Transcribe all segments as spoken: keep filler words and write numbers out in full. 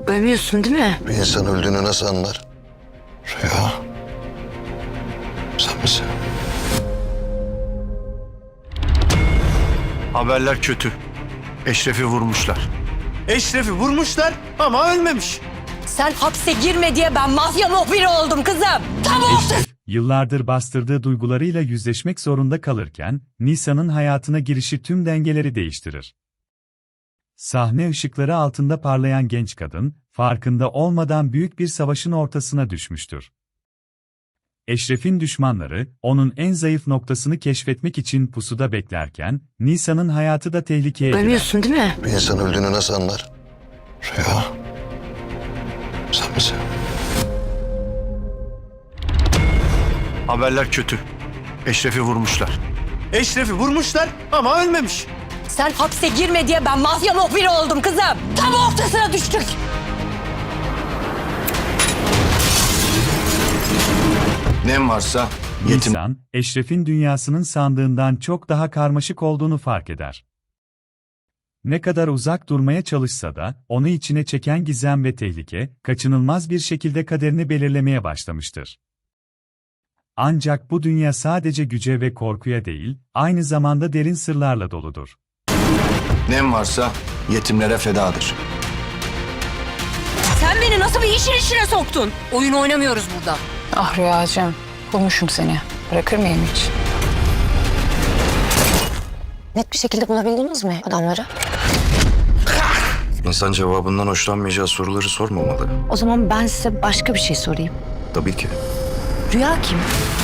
Ölmüyorsun değil mi? Bir insan öldüğünü nasıl anlar? Rüya. Sen misin? Haberler kötü. Eşref'i vurmuşlar. Eşref'i vurmuşlar ama ölmemiş. Sen hapse girme diye ben mafya muhbiri oldum kızım. Tamam. Eşref, yıllardır bastırdığı duygularıyla yüzleşmek zorunda kalırken, Nisa'nın hayatına girişi tüm dengeleri değiştirir. Sahne ışıkları altında parlayan genç kadın, farkında olmadan büyük bir savaşın ortasına düşmüştür. Eşref'in düşmanları, onun en zayıf noktasını keşfetmek için pusuda beklerken, Nisa'nın hayatı da tehlikeye girer. Ölmüyorsun değil mi? Bir insan öldüğünü nasıl anlar? Rüya. Sen misin? Haberler kötü. Eşref'i vurmuşlar. Eşref'i vurmuşlar ama ölmemiş. Sen hapse girme diye ben mafya muhbiri oldum kızım. Tam ortasına düştük. Nem varsa yetim. Nisan, Eşref'in dünyasının sandığından çok daha karmaşık olduğunu fark eder. Ne kadar uzak durmaya çalışsa da, onu içine çeken gizem ve tehlike, kaçınılmaz bir şekilde kaderini belirlemeye başlamıştır. Ancak bu dünya sadece güce ve korkuya değil, aynı zamanda derin sırlarla doludur. Nem varsa yetimlere fedadır. Sen beni nasıl bir işin içine soktun? Oyun oynamıyoruz burada. Ah Rüyacığım, bulmuşum seni. Bırakır mıyım hiç? Net bir şekilde bulabildiniz mi adamları? İnsan cevabından hoşlanmayacağı soruları sormamalı. O zaman ben size başka bir şey sorayım. Tabii ki. Rüya kim?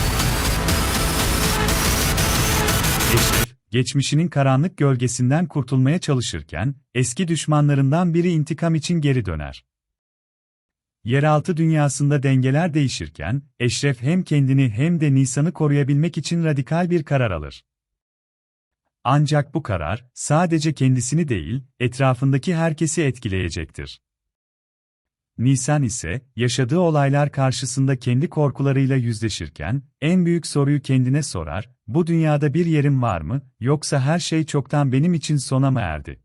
Eşref, geçmişinin karanlık gölgesinden kurtulmaya çalışırken, eski düşmanlarından biri intikam için geri döner. Yeraltı dünyasında dengeler değişirken, Eşref hem kendini hem de Nisan'ı koruyabilmek için radikal bir karar alır. Ancak bu karar, sadece kendisini değil, etrafındaki herkesi etkileyecektir. Nisan ise, yaşadığı olaylar karşısında kendi korkularıyla yüzleşirken, en büyük soruyu kendine sorar, bu dünyada bir yerim var mı, yoksa her şey çoktan benim için sona mı erdi?